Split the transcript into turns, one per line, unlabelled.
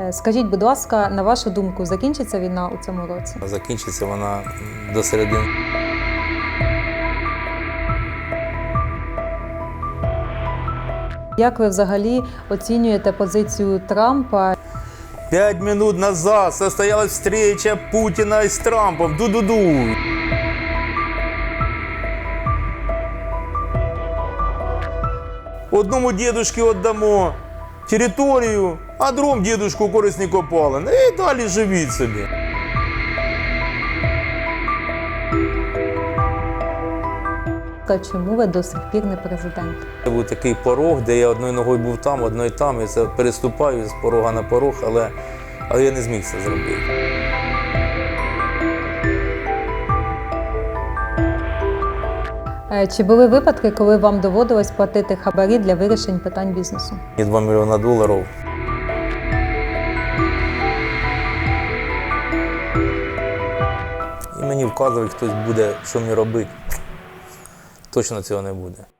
Скажіть, будь ласка, на вашу думку, закінчиться війна у цьому році?
Закінчиться вона до середини.
Як ви взагалі оцінюєте позицію Трампа?
5 минут назад состоялась встреча Путина с Трампом. Ду-ду-ду. Одному дедушке віддамо територію, а другому дедушку корисні копалини. І далі живіть собі.
Чому ви до сих пір не президент?
Це був такий порог, де я одною ногою був там, одною там. І це переступаю з порога на порог, але я не зміг це зробити.
Чи були випадки, коли вам доводилось платити хабарі для вирішень питань бізнесу?
І $2 мільйони. І мені вказує, хтось буде, що мені робити. Точно цього не буде.